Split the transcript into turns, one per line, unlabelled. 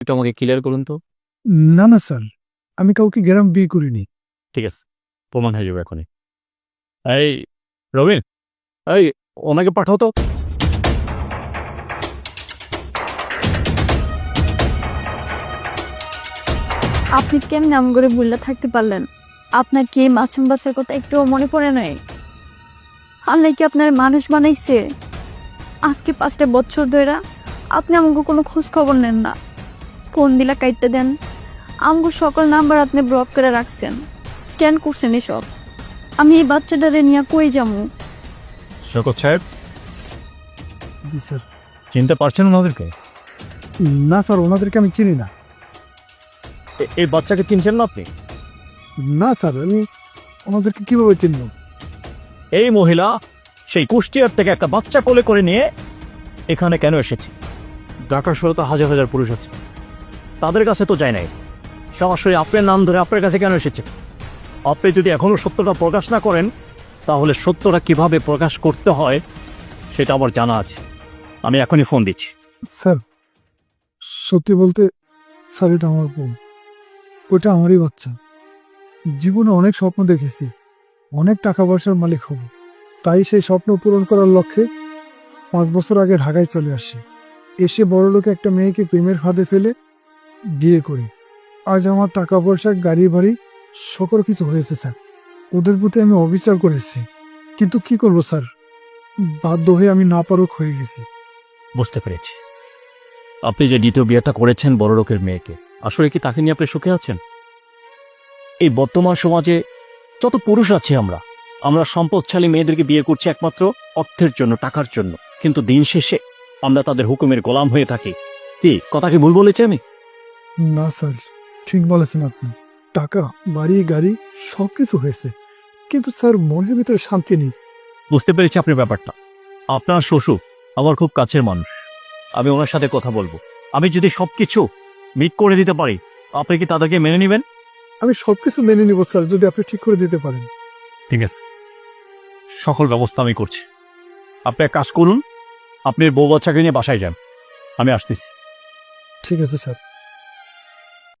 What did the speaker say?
একটু আমাকে ক্লিয়ার করুন তো।
না না স্যার, আমি কাউকে গ্রাম বিয়ে করিনি।
ঠিক আছে, প্রমাণ হয়ে যাবে এখনই। এই রবিন, এই ওনাকে পাঠাও তো।
আপনি কেমন নাম করে ভুললে থাকতে পারলেন? আপনার কি এই মাছুম বাচ্চার কথা একটুও মনে পড়ে নাই? আল্লাহ কি আপনার মানুষ বানাইছে? আজকে 5টা বছর ধরে আপনি আমাকে কোনো খোঁজ খবর নেন না। ফোন দিলা কাইটতে দেন, আমগো সকল নাম্বার আপনি ব্লক করে রাখছেন। কেন করছেন এসব? আমি এই বাচ্চাটারে নিয়ে কই যাবো?
শওকত সাহেব,
জি স্যার।
চিনতে পারছেন ওনাদেরকে?
না স্যার, ওনাদেরকে আমি চিনি না।
এই বাচ্চাকে চিনছেন না আপনি?
না স্যার, আমি ওনাদেরকে কিভাবে চিনব?
এই মহিলা সেই কুষ্টিয়ার থেকে একটা বাচ্চা কোলে করে নিয়ে এখানে কেন এসেছে? ঢাকা শহরে তো হাজার হাজার পুরুষ আছে, তাদের কাছে তো যায় নাই। সরাসরি আপনার নাম ধরে আপনার কাছে কেন এসেছে? আপনি যদি এখনো সত্যটা প্রকাশ না করেন, তাহলে সত্যটা কিভাবে প্রকাশ করতে হয় সেটা আমার জানা আছে। আমি এখনই ফোন দিচ্ছি।
স্যার, সত্যি বলতে স্যার, এটা আমার বোন। ওটা আমারই বাচ্চা। জীবনে অনেক স্বপ্ন দেখেছি, অনেক টাকা পয়সার মালিক হব। তাই সেই স্বপ্ন পূরণ করার লক্ষ্যে 5 বছর আগে ঢাকায় চলে আসি। এসে বড়লোকে একটা মেয়েকে প্রেমের ফাঁদে ফেলে বিয়ে করি। আজ আমার টাকা পয়সা, গাড়ি বাড়ি সকল কিছু হয়েছে স্যার। ওদের প্রতি আমি অবিচার করেছি, কিন্তু কি করব স্যার, বাধ্য হয়ে আমি নাপারক হয়ে গেছি।
বুঝতে পেরেছি, আপনি যে দ্বিতীয় বিয়েটা করেছেন বড় লোকের মেয়েকে, আসলে কি তাকে নিয়ে আপনি সুখে আছেন? এই বর্তমান সমাজে যত পুরুষ আছে আমরা সম্পদশালী মেয়েদেরকে বিয়ে করছি একমাত্র অর্থের জন্য, টাকার জন্য। কিন্তু দিন শেষে আমরা তাদের হুকুমের গোলাম হয়ে থাকি। কি কথা কি ভুল বলেছি আমি?
না স্যার, ঠিক বলেছেন আপনি। টাকা, বাড়ি, গাড়ি সব কিছু হয়েছে, কিন্তু স্যার মনের ভিতরে শান্তি নেই।
বুঝতে পেরেছি আপনার ব্যাপারটা। আপনার শ্বশুর আমার খুব কাছের মানুষ, আমি ওনার সাথে কথা বলবো। আমি যদি সবকিছু মিট করে দিতে পারি, আপনি কি তাদেরকে মেনে নেবেন?
আমি সবকিছু মেনে নিব স্যার, যদি আপনি ঠিক করে দিতে পারেন।
ঠিক আছে, সকল ব্যবস্থা আমি করছি। আপনি এক কাজ করুন, আপনি বউ বাচ্চাকে নিয়ে বাসায় যান, আমি আসতেছি।
ঠিক আছে স্যার।